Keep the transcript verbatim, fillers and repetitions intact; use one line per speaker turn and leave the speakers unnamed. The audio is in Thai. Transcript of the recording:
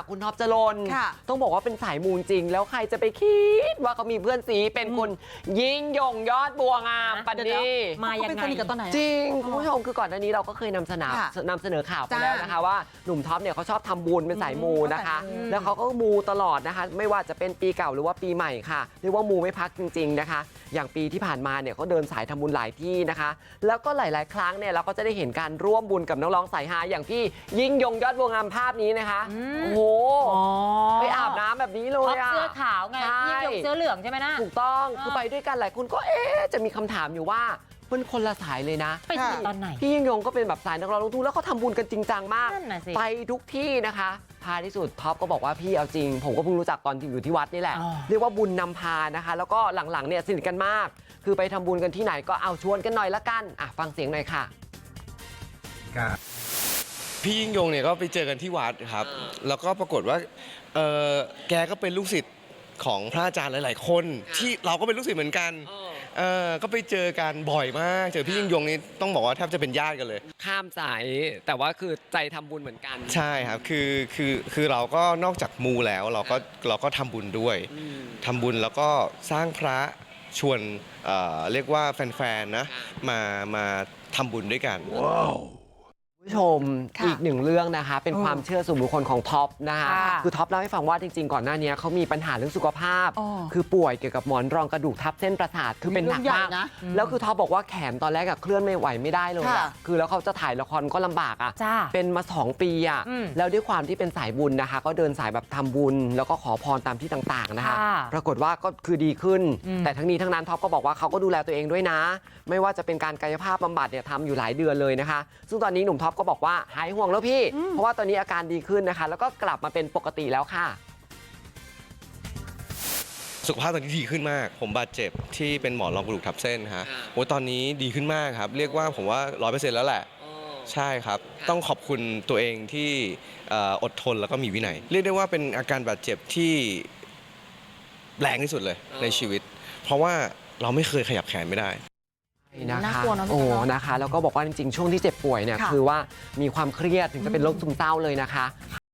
คุณท็อปจรน
ค่ะ
ต้องบอกว่าเป็นสายมูจริงแล้วใครจะไปคิดว่าเขามีเพื่อนซีเป็นคุณยิ่งยงยอดบัวงามปันดี
มายังไงกันตอนไหน
จริงคุณผู้ชมคือก่อนหน้านี้เราก็เคยนำเสนอนำเสนอข่าวไปแล้วนะคะว่าหนุ่มท็อปเนี่ยเขาชอบทำบุญเป็นสายมูนะคะแล้วเขาก็มูตลอดนะคะไม่ว่าจะเป็นปีเก่าหรือว่าปีใหม่ค่ะเรียกว่ามูไม่พักจริงๆนะคะอย่างปีที่ผ่านมาเนี่ยเขาเดินสายทำบุญหลายที่นะคะแล้วก็หลายๆครั้งเนี่ยเราก็จะได้เห็นการร่วมบุญกับน้องๆสายฮาอย่างพี่ยิ่งยงยอดบัวงามภาพนี้นะคะโอ้โหไปอาบน้ำแบบนี้เลยอะ
เสื้อขาวไงยิ่งยงเสื้อเหลืองใช่ไหมนะ
ถูกต้องคือไปด้วยกันหลายคนก็เอ๊ะจะมีคำถามอยู่ว่ามันคนละสายเลยนะ
ไปถึงตอนไหน
พี่ยิ่งยงก็เป็นแบบสายนักร้องลูกทุ่งแล้วเขาทำบุญกันจริงจังมากไปทุกที่นะคะพาที่สุดท็อปก็บอกว่าพี่เอาจริงผมก็เพิ่งรู้จักตอนที่อยู่ที่วัดนี่แหละเรียกว่าบุญนำพานะคะแล้วก็หลังๆเนี่ยสนิทกันมากคือไปทำบุญกันที่ไหนก็เอาชวนกันหน่อยละกันอ่ะฟังเสียงหน่อยค่ะ
พี่ยิ่งยงเนี่ยก็ไปเจอกันที่วัดครับแล้วก็ปรากฏว่าเออแกก็เป็นลูกศิษย์ของพระอาจารย์หลายๆคนที่เราก็เป็นลูกศิษย์เหมือนกันเออก็ไปเจอกันบ่อยมากเจอพี่ยิ่งยงนี่ต้องบอกว่าแทบจะเป็นญาติกันเลย
ข้ามสายแต่ว่าคือใจทำบุญเหมือนกัน
ใช่ครับคือคือคือเราก็นอกจากมูแล้วเราก็เราก็ทำบุญด้วยทำบุญแล้วก็สร้างพระชวนเอ่อเรียกว่าแฟนๆนะมามาทำบุญด้วยกันว้าว
ผู้ชมอีกหนึ่งเรื่องนะคะเป็นความเชื่อส่วนบุคคลของท็อปนะคะคือท็อปเล่าให้ฟังว่าจริงๆก่อนหน้านี้เขามีปัญหาเรื่องสุขภาพคือป่วยเกี่ยวกับหมอนรองกระดูกทับเส้นประสาทคือเป็นหนักมากแล้วคือท็อปบอกว่าแขนตอนแรกเคลื่อนไม่ไหวไม่ได้เลยคือแล้วเขาจะถ่ายละครก็ลำบากอ่ะเป็นมาสองปีอ่ะแล้วด้วยความที่เป็นสายบุญนะคะก็เดินสายแบบทำบุญแล้วก็ขอพรตามที่ต่างๆนะคะปรากฏว่าก็คือดีขึ้นแต่ทั้งนี้ทั้งนั้นท็อปก็บอกว่าเขาก็ดูแลตัวเองด้วยนะไม่ว่าจะเป็นการกายภาพบำบัดเนี่ยทำอยู่หลายเดือนเลยนะคะซึ่งตอนนี้หนุ่มท็อปก็บอกว่าหายห่วงแล้วพี่เพราะว่าตอนนี้อาการดีขึ้นนะคะแล้วก็กลับมาเป็นปกติแล้วค่ะ
สุขภาพตอนนี้ดีขึ้นมากผมบาดเจ็บที่เป็นหมอนรองกระดูกทับเส้นฮะโอ้ตอนนี้ดีขึ้นมากครับเรียกว่าผมว่าร้อยเปอร์เซ็นต์แล้วแหละใช่ครับต้องขอบคุณตัวเองที่อดทนแล้วก็มีวินัยเรียกได้ว่าเป็นอาการบาดเจ็บที่แรงที่สุดเลยในชีวิตเพราะว่าเราไม่เคยขยับแขนไม่ได้
นะคะโอ้นะคะแล้วก็บอกว่าจริงๆช่วงที่เจ็บป่วยเนี่ยคือว่ามีความเครียดถึงจะเป็นโรคซึมเศร้าเลยนะคะ